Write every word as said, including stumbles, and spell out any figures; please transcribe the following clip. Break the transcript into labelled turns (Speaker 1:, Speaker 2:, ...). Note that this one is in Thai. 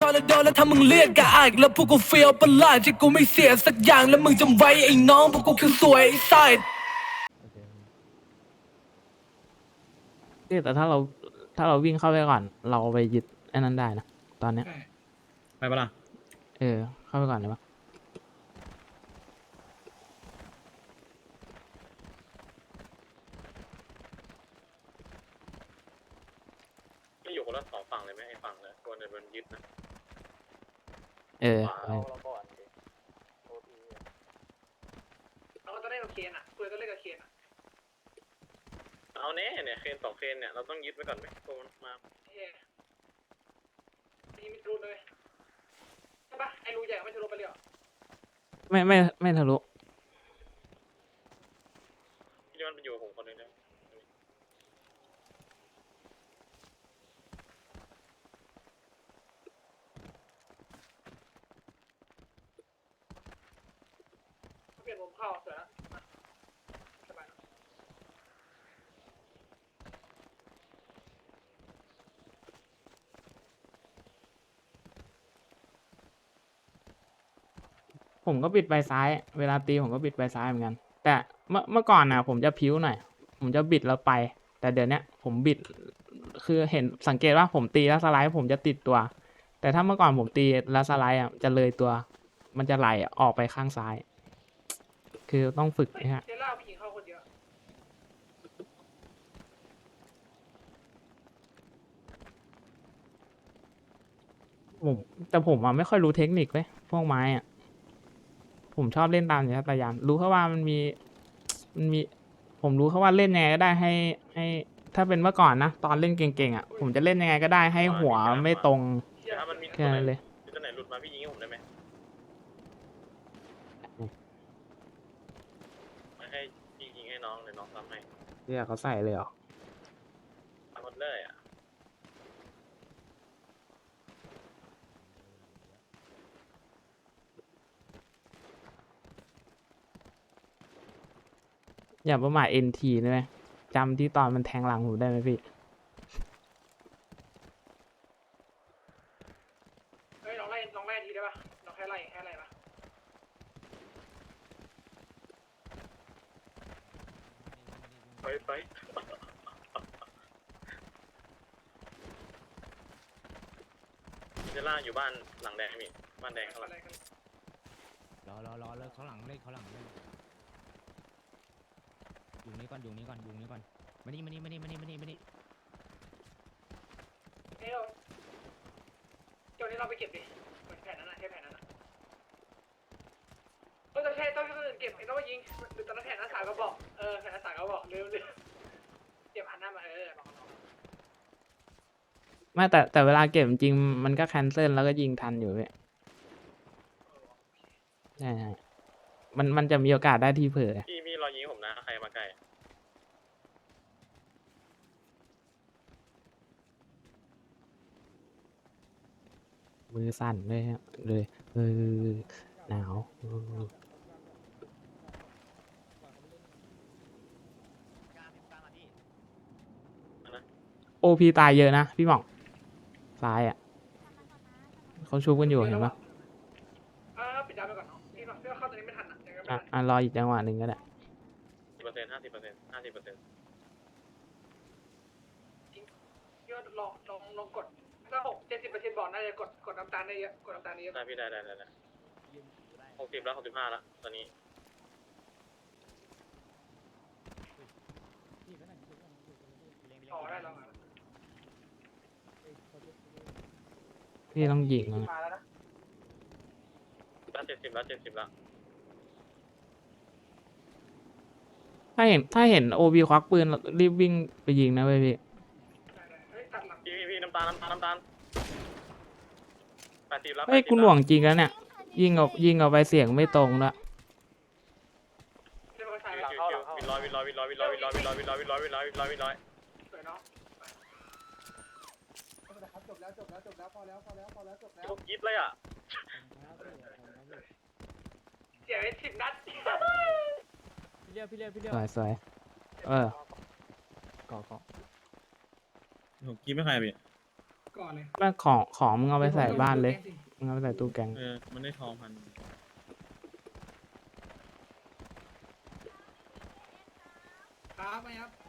Speaker 1: นแล้วโดนแล้วถ้ามึงเรียกกะอายแล้วพวกกูเฟียวประหลาดที่กูไม่เสียสักอย่างแล้วมึงจำไว้ไอ้น้องพวกกูคือสวยไอ้ไซด์
Speaker 2: แต่ถ้าเราถ้าเราวิ่งเข้าไปก่อนเราไปยึดไอ้นั้นได้นะตอนเนี้ย
Speaker 3: ไปปะล่ะ
Speaker 2: เออเข้าไปก่อนเลยปะ
Speaker 3: ไม่อยู่คนละสองฝั่งเลยไหมไอ้ฝั่งเลยตัวเนี่ยมันยึดนะ
Speaker 2: เออ
Speaker 4: เราก็ต้องเล่นกับเคนอ่ะคุยก็เล่นกับเคนอ่ะ
Speaker 3: เอาแน่เนี่ยเคนสองเคนเนี่ยเราต้องยึดไว้ก่อนไหมตัวมันมา
Speaker 4: เฮ้ยมีมิดรูนเลยใช่ปะไอ้รูใหญ่ไม่ทะลุไปเลยเหรอ
Speaker 2: ไม่ไม่ไม่ทะลุ
Speaker 3: พี่มันเป็นอยู่กับผมคนนึงนะ
Speaker 4: เปลี่ยนมุมเข้าเสร็จแล้วสบาย
Speaker 2: ผมก็บิดไปซ้ายเวลาตีผมก็บิดไปซ้ายเหมือนกันแต่เมื่อเมื่อก่อนนะผมจะพิ้วหน่อยผมจะบิดแล้วไปแต่เดี๋ยวนี้ผมบิดคือเห็นสังเกตว่าผมตีแล้วสไลด์ผมจะติดตัวแต่ถ้าเมื่อก่อนผมตีแล้วสไลด์อ่ะจะเลยตัวมันจะไหลออกไปข้างซ้าย คือต้องฝึกนะฮะ
Speaker 4: เจล่าผู้หญิงเข้าคนเดียว
Speaker 2: ผมแต่ผมอ่ะไม่ค่อยรู้เทคนิคเว้ยพวกไม้อ่ะผมชอบเล่นตามอย่างนี้ตายามรู้แค่ว่ามันมีมันมีผมรู้แค่ว่าเล่นยังไงก็ได้ให้ให้ถ้าเป็นเมื่อก่อนนะตอนเล่นเก่งๆอ่ะผมจะเล่นยังไงก็ได้ให้หัวไม่ตรง
Speaker 3: เดี๋ยวถ้ามันมี
Speaker 2: แค่นั้นเลย
Speaker 3: ตัวไหนหลุดมาพี่ยิงให้ผมได้ไหมไม่ให้พี่ยิงให้น้องเลยน้องทำให้
Speaker 2: เรียกเขาใส่เลยเหรอ
Speaker 3: ทำหมดเลยอ่ะ
Speaker 2: อย่าประมาทเอ็นทีได้ไหมจำที่ตอนมันแทงหลังผมได้ไหมพี่
Speaker 4: เฮ้ยลองไล่ลองไล่ทีได้ปะลองแค่ไล่แค่ไล่ปะ
Speaker 3: ไปไปเจล่าอยู่บ้านหลังแดงพี่บ้านแดงเขาหลัง
Speaker 5: รอรอรอเลิกเขาหลังเลิกเขาหลังเลิกอยู่นี่ก่อนอยู่นี่ก่อนอยู่นี่ก่อนมานี่มานี่มานี่มานี่มานี่มานี่
Speaker 4: เฮ้ยเราเดี๋ยวนี้เราไปเก็บดิเหมือนแผนนั้นนะแค่แผนนั้นนะเออต้องใช่ต้องต้องเก็บไอ้ต้องมายิงหรือตอนนั้นแผนนั้นสามก็บอกเออแผนนั้นสามก็บอกเร็วเร็วเก็บหันหน้ามาเออลองลอง
Speaker 2: ไม่แต่แต่เวลาเก็บจริงๆมันก็แคนเซิลแล้วก็ยิงทันอยู่พี่ใช่ใช่มันมันจะมีโอกาสได้ที่เผลอ
Speaker 3: พี่พี่รอยิงผมนะใครมาใกล้
Speaker 2: มือสั่นเลยฮะเลยเออหนาวโอพีตายเยอะนะพี่หม่องซ้ายอ่ะเขาชูกันอยู่เห็นปะ
Speaker 4: อ่าปิดดาวไปก่อนเนาะพี่ก่อนพี่ว่าเข้าตอนนี้ไม่ทันอ่ะยังไงไม่
Speaker 2: อ่ะ
Speaker 4: ทัน
Speaker 2: อ่ะรออีกจังหวะหนึ่งก็ได้
Speaker 3: สิบเปอร์เซ็นต์ห้าสิบเปอร์เซ็นต์ห้าสิบเปอร์เซ็นต์
Speaker 4: พี่ว่าลองลองลองกดถ้าหกเจ็ดสิบเปอร์เซ็นต์บอกน่าจะกดกดน้ำตาลได้เยอะกดน้ำตาลได้เยอะ
Speaker 3: ได้พี่ได้ได้ได้ได้หกสิบแล้วหกสิบห้าแล้วตอนนี้
Speaker 4: อ๋อได้แล้วมา
Speaker 2: พี่ต้องยิงนะ
Speaker 4: มาแล้วนะ
Speaker 3: แล้วเจ็ดสิบแล้วเจ็ดสิบแล้ว
Speaker 2: ถ้าเห็นถ้าเห็นโอบีควักปืนรีบวิ่งไปยิงนะเว้ยพี่
Speaker 4: ได้ได้เฮ้ยตัดหลัง
Speaker 3: พี่พี่พี่น้ำตาลน้ำตาลน้ำตาลแปดสิบแล้ว
Speaker 2: เฮ้ยกูหน่วงจริงแล้วเนี่ยยิงออกยิงออกไปเสียงไม่ตรงด้วย
Speaker 4: เรียบร้อยใส่
Speaker 3: คิ
Speaker 4: แล้ว
Speaker 3: วคิววินร้อยวินร้อยวินร้อยวินร้อยวินร้อยวินร้อยวินร้อยวินร้อยวินร้อยวินร้อยวินร้อย
Speaker 4: สวยเนาะ
Speaker 6: จบแล้วจบแล้วจบแล้วพอแล้วพอแล้วพอแล้วจบแล้ว
Speaker 3: ทุกยิบเลยอ่ะ
Speaker 4: เสียไปสิบนัด
Speaker 5: พี่เลี้ยวพี่เลี้ยวพี่เลี้ยว
Speaker 2: สวยสวยเออ
Speaker 5: ก่อก่อ
Speaker 3: ทุกยิบไม่ใครพี่
Speaker 4: ก็ก่อนเลย
Speaker 2: แม่งของของมึงเอาไปใส่บ้านเลยมึงเอาไปใส่ตู้แกง
Speaker 3: เออมันได้ทองพัน
Speaker 4: ครับไหมครับ